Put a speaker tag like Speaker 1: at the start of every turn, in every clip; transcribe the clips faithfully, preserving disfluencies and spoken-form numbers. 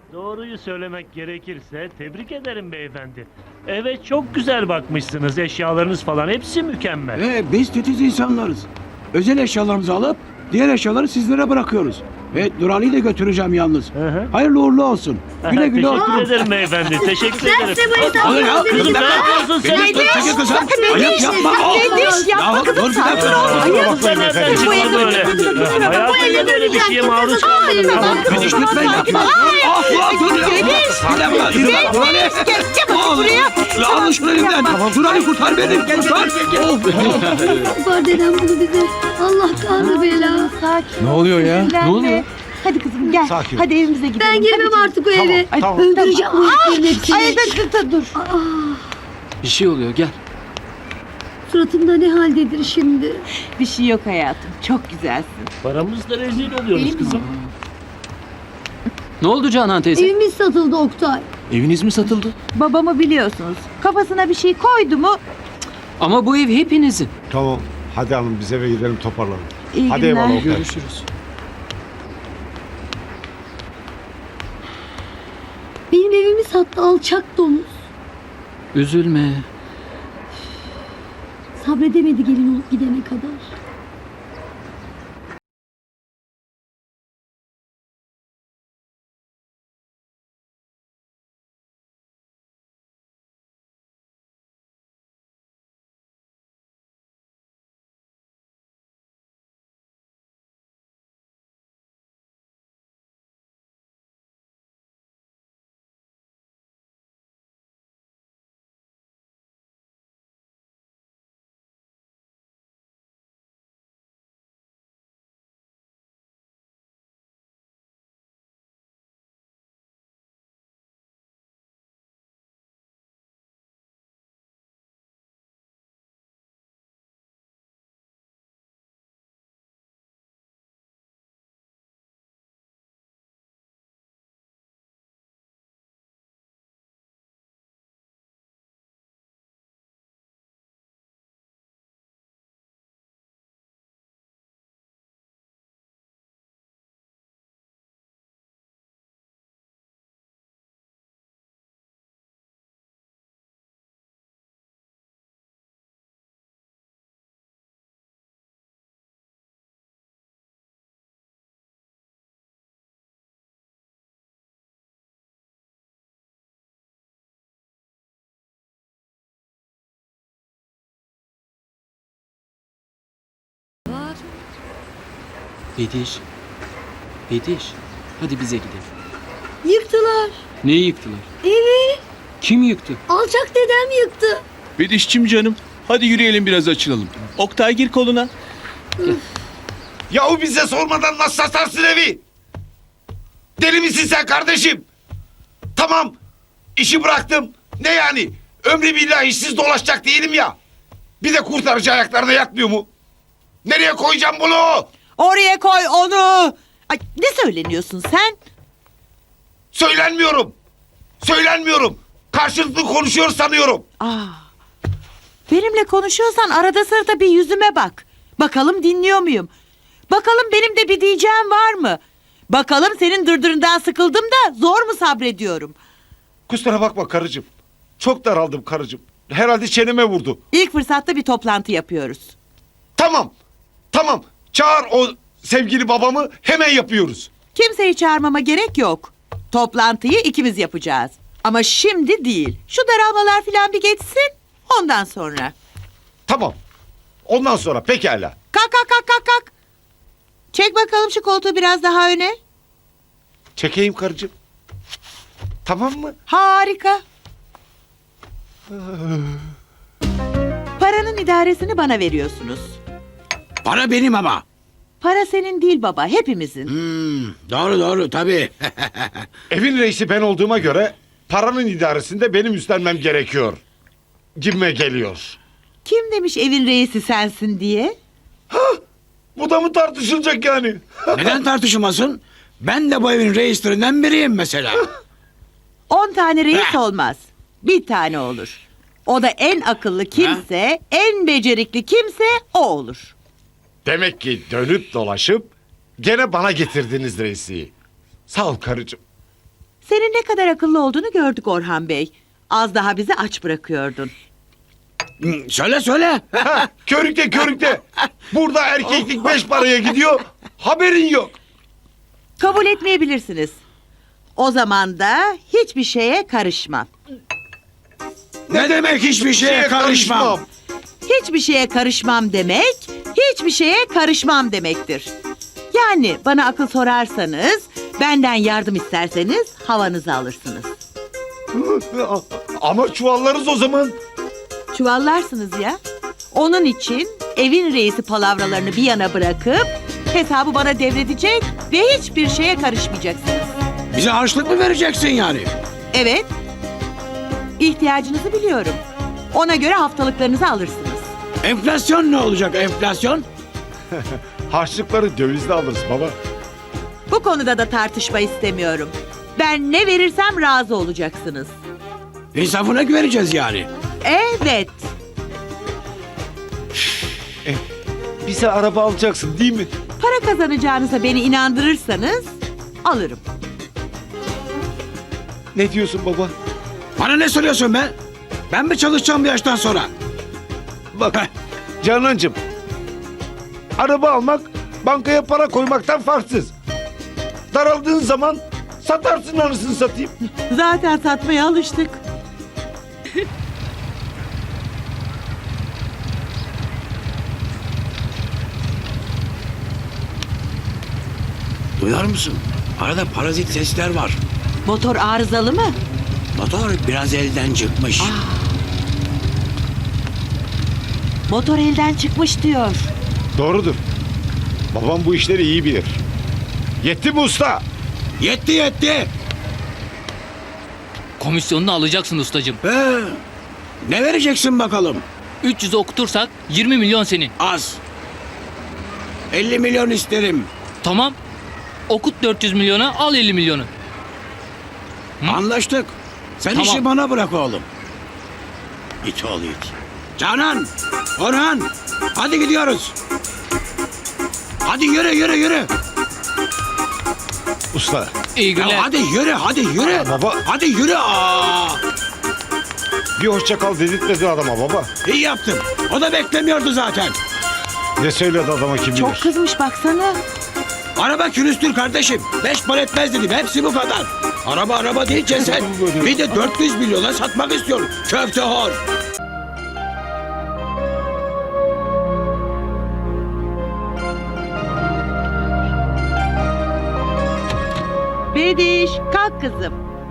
Speaker 1: Doğruyu söylemek gerekirse tebrik ederim beyefendi. Evet, çok güzel bakmışsınız, eşyalarınız falan hepsi mükemmel.
Speaker 2: Ee, biz titiz insanlarız. Özel eşyalarımızı alıp diğer eşyaları sizlere bırakıyoruz. Ve Durali'yi de götüreceğim yalnız.
Speaker 1: Hı hı.
Speaker 2: Hayırlı uğurlu olsun. Güle güle
Speaker 1: Teşekkür
Speaker 2: oturun.
Speaker 1: ederim beyefendi, teşekkür
Speaker 3: Ben
Speaker 1: ederim.
Speaker 3: size bu hesabı
Speaker 2: Alın ya,
Speaker 1: Kızım, ne yapıyorsun sen?
Speaker 2: Beni dur, çekil kızım. Ayıp yapma.
Speaker 3: Kardeş yapma
Speaker 2: Ya,
Speaker 3: kızım,
Speaker 2: dur bir
Speaker 3: sakin
Speaker 2: dakika.
Speaker 3: ol.
Speaker 1: Ayıp, sen nereden çıktın böyle? Hayatımda böyle bir şeye maruz kalmadım.
Speaker 2: Beni lütfen yapma. Ah, ah, dur ya. Bir dakika, yürü bak, Durali. Al, Alın şunu elimden. Durali kurtar beni. Kurtar.
Speaker 4: Var dedem bunu bize. Allah kanı bela.
Speaker 3: Sakin.
Speaker 5: Ne oluyor ya?
Speaker 3: Ne oluyor? Hadi kızım gel.
Speaker 5: Sakin ol.
Speaker 3: Hadi evimize gidelim.
Speaker 4: Ben girmem
Speaker 3: Hadi
Speaker 4: artık o eve.
Speaker 5: tamam.
Speaker 4: Öldüreceğim bu heriflerin hepsini.
Speaker 3: Ay dur dur dur. dur.
Speaker 5: Bir şey oluyor, gel.
Speaker 4: Suratımda ne haldedir şimdi?
Speaker 3: Bir şey yok hayatım. Çok güzelsin.
Speaker 1: Paramızla rezil oluyoruz kızım.
Speaker 5: Ne oldu Canan teyze?
Speaker 4: Evimiz satıldı Oktay.
Speaker 5: Eviniz mi satıldı?
Speaker 3: Babamı biliyorsunuz. Kafasına bir şey koydu mu?
Speaker 5: Ama bu ev hepinizin.
Speaker 6: Tamam. Hadi hanım biz eve gidelim toparlanalım.
Speaker 3: İyi
Speaker 6: Hadi
Speaker 3: günler.
Speaker 6: eyvallah. Okay.
Speaker 5: Görüşürüz.
Speaker 4: Benim evimi sattı alçak domuz.
Speaker 5: Üzülme.
Speaker 4: Sabredemedi gelin olup gidene kadar.
Speaker 5: Bediş. Bediş. Hadi bize gidelim.
Speaker 4: Yıktılar.
Speaker 5: Neyi yıktılar?
Speaker 4: Evi.
Speaker 5: Kim yıktı?
Speaker 4: Alçak dedem yıktı.
Speaker 7: Bedişçim canım. Hadi yürüyelim biraz açılalım. Oktay gir koluna.
Speaker 6: Yahu bize sormadan nasıl satarsın evi? Deli misin sen kardeşim? Tamam. İşi bıraktım. Ne yani? Ömrü billah işsiz dolaşacak değilim ya. Bir de kurtarıcı ayaklarına yatmıyor mu? Nereye koyacağım bunu?
Speaker 3: Oraya koy onu. Ay, ne söyleniyorsun sen?
Speaker 6: Söylenmiyorum. Söylenmiyorum. Karşılıklı konuşuyor sanıyorum.
Speaker 3: Aa, benimle konuşuyorsan arada sırada bir yüzüme bak. Bakalım dinliyor muyum? Bakalım benim de bir diyeceğim var mı? Bakalım senin dırdırından sıkıldım da zor mu sabrediyorum?
Speaker 6: Kusura bakma karıcığım. Çok daraldım karıcığım. Herhalde çeneme vurdu.
Speaker 3: İlk fırsatta bir toplantı yapıyoruz.
Speaker 6: Tamam. Tamam. Çağır o sevgili babamı, hemen yapıyoruz.
Speaker 3: Kimseyi çağırmama gerek yok. Toplantıyı ikimiz yapacağız. Ama şimdi değil. Şu daralmalar falan bir geçsin. Ondan sonra.
Speaker 6: Tamam. Ondan sonra pekala.
Speaker 3: Kalk kalk kalk kalk kalk. Çek bakalım şu koltuğu biraz daha öne.
Speaker 6: Çekeyim karıcığım. Tamam mı?
Speaker 3: Harika. Paranın idaresini bana veriyorsunuz.
Speaker 2: Para benim ama.
Speaker 3: Para senin değil baba, hepimizin.
Speaker 2: Hmm, doğru doğru tabii.
Speaker 6: Evin reisi ben olduğuma göre paranın idaresinde benim üstlenmem gerekiyor. Gibime geliyor.
Speaker 3: Kim demiş evin reisi sensin diye?
Speaker 6: Bu da mı tartışılacak yani?
Speaker 2: Neden tartışılmasın? Ben de bu evin reislerinden biriyim mesela.
Speaker 3: On tane reis olmaz. Bir tane olur. O da en akıllı kimse, en becerikli kimse o olur.
Speaker 6: Demek ki dönüp dolaşıp gene bana getirdiniz reisi. Sağ ol karıcığım.
Speaker 3: Senin ne kadar akıllı olduğunu gördük Orhan Bey. Az daha bizi aç bırakıyordun.
Speaker 2: Hı, Söyle söyle.
Speaker 6: Ha, körükte körükte. Burada erkeklik beş paraya gidiyor. Haberin yok.
Speaker 3: Kabul etmeyebilirsiniz. O zaman da hiçbir şeye karışmam.
Speaker 2: Ne demek hiçbir şeye karışmam.
Speaker 3: Hiçbir şeye karışmam demek, hiçbir şeye karışmam demektir. Yani bana akıl sorarsanız, benden yardım isterseniz havanızı alırsınız.
Speaker 6: Ama çuvallarız o zaman.
Speaker 3: Çuvallarsınız ya. Onun için evin reisi palavralarını bir yana bırakıp hesabı bana devredecek ve hiçbir şeye karışmayacaksınız.
Speaker 2: Bize harçlık mı vereceksin yani?
Speaker 3: Evet. İhtiyacınızı biliyorum. Ona göre haftalıklarınızı alırsınız.
Speaker 2: Enflasyon ne olacak enflasyon?
Speaker 6: Harçlıkları dövizle alırız baba.
Speaker 3: Bu konuda da tartışma istemiyorum. Ben ne verirsem razı olacaksınız.
Speaker 2: İnsafına güveneceğiz yani.
Speaker 3: Evet.
Speaker 6: Bize araba alacaksın değil mi?
Speaker 3: Para kazanacağınıza beni inandırırsanız alırım.
Speaker 6: Ne diyorsun baba?
Speaker 2: Bana ne soruyorsun be? Ben mi çalışacağım bu yaştan sonra?
Speaker 6: Bak Canancığım. Araba almak bankaya para koymaktan farksız. Daraldığın zaman satarsın anasını satayım.
Speaker 3: Zaten satmaya alıştık.
Speaker 2: Duyar mısın? Arada parazit sesler var.
Speaker 3: Motor arızalı mı?
Speaker 2: Motor biraz elden çıkmış.
Speaker 3: Motor elden çıkmış diyor.
Speaker 6: Doğrudur. Babam bu işleri iyi bilir. Yetti mi usta?
Speaker 2: Yetti yetti.
Speaker 5: Komisyonunu alacaksın ustacığım.
Speaker 2: Ee, ne vereceksin bakalım?
Speaker 5: üç yüz okutursak yirmi milyon senin.
Speaker 2: Az. elli milyon isterim.
Speaker 5: Tamam. Okut dört yüz milyona, al elli milyonu. Hı?
Speaker 2: Anlaştık. Sen
Speaker 5: Tamam.
Speaker 2: işi bana bırak oğlum. İt oğlu it. Canan, Orhan, hadi gidiyoruz. Hadi yürü yürü yürü.
Speaker 6: Usta.
Speaker 5: İyi günler.
Speaker 2: Ya hadi yürü hadi yürü.
Speaker 6: Baba.
Speaker 2: Hadi yürü. Aa,
Speaker 6: Bir hoşça kal dedirtmedin adama baba.
Speaker 2: iyi yaptın. O da beklemiyordu zaten.
Speaker 6: Ne söyledi adama kim bilir?
Speaker 3: Çok kızmış baksana.
Speaker 2: Araba külüstür kardeşim. Beş para etmez dedim. Hepsi bu kadar. Araba araba değil ceset. Bir de dört yüz milyona satmak istiyorum. Köfte hor.
Speaker 3: Bediş kalk kızım.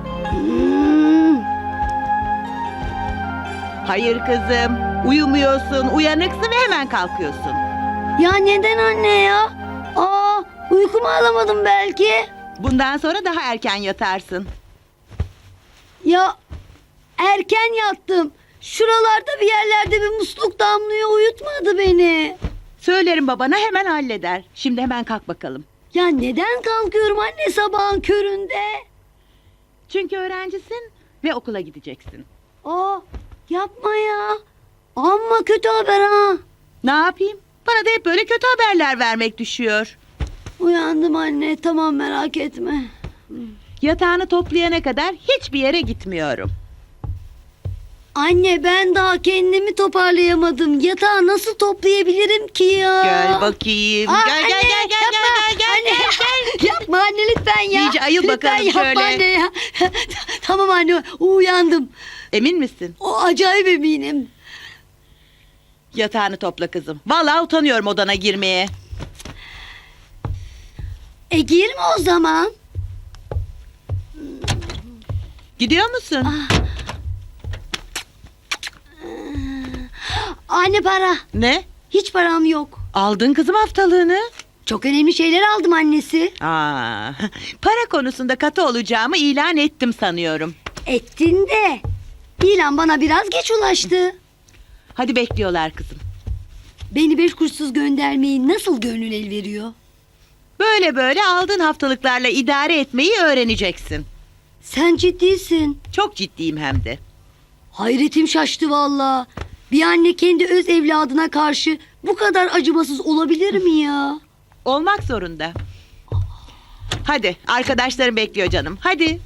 Speaker 3: Hayır kızım. Uyumuyorsun, uyanıksın ve hemen kalkıyorsun.
Speaker 4: Ya neden anne ya? Aa, uykumu alamadım belki.
Speaker 3: Bundan sonra daha erken yatarsın.
Speaker 4: Ya erken yattım. Şuralarda bir yerlerde bir musluk damlıyor, uyutmadı beni.
Speaker 3: Söylerim babana hemen halleder. Şimdi hemen kalk bakalım.
Speaker 4: Ya neden kalkıyorum anne sabahın köründe?
Speaker 3: Çünkü öğrencisin ve okula gideceksin.
Speaker 4: Aa, yapma ya. Amma kötü haber ha.
Speaker 3: Ne yapayım? Bana da hep böyle kötü haberler vermek düşüyor.
Speaker 4: Uyandım anne, tamam merak etme.
Speaker 3: Yatağını toplayana kadar hiçbir yere gitmiyorum.
Speaker 4: Anne ben daha kendimi toparlayamadım. Yatağı nasıl toplayabilirim ki ya?
Speaker 3: Gel bakayım.
Speaker 4: Aa,
Speaker 3: gel, gel,
Speaker 4: anne,
Speaker 3: gel, gel,
Speaker 4: yapma.
Speaker 3: gel, gel,
Speaker 4: Anne,
Speaker 3: gel, gel.
Speaker 4: Yapma anne lütfen ya.
Speaker 3: İyice ayıl
Speaker 4: Lütfen
Speaker 3: bakalım
Speaker 4: yapma
Speaker 3: şöyle.
Speaker 4: anne ya. Tamam anne uyandım.
Speaker 3: Emin misin?
Speaker 4: O acayip eminim.
Speaker 3: Yatağını topla kızım. Vallahi utanıyorum odana girmeye.
Speaker 4: E girme o zaman.
Speaker 3: Gidiyor musun?
Speaker 4: Anne para.
Speaker 3: Ne?
Speaker 4: Hiç param yok.
Speaker 3: Aldın kızım haftalığını.
Speaker 4: Çok önemli şeyler aldım annesi.
Speaker 3: Aa, para konusunda katı olacağımı ilan ettim sanıyorum.
Speaker 4: Ettin de. İlan bana biraz geç ulaştı.
Speaker 3: Hadi bekliyorlar kızım.
Speaker 4: Beni beş kuruşsuz göndermeyi nasıl gönül el veriyor?
Speaker 3: Böyle böyle aldığın haftalıklarla idare etmeyi öğreneceksin.
Speaker 4: Sen ciddisin.
Speaker 3: Çok ciddiyim hem de.
Speaker 4: Hayretim şaştı valla. Bir anne kendi öz evladına karşı bu kadar acımasız olabilir mi ya?
Speaker 3: Olmak zorunda. Hadi arkadaşlarım bekliyor canım. Hadi.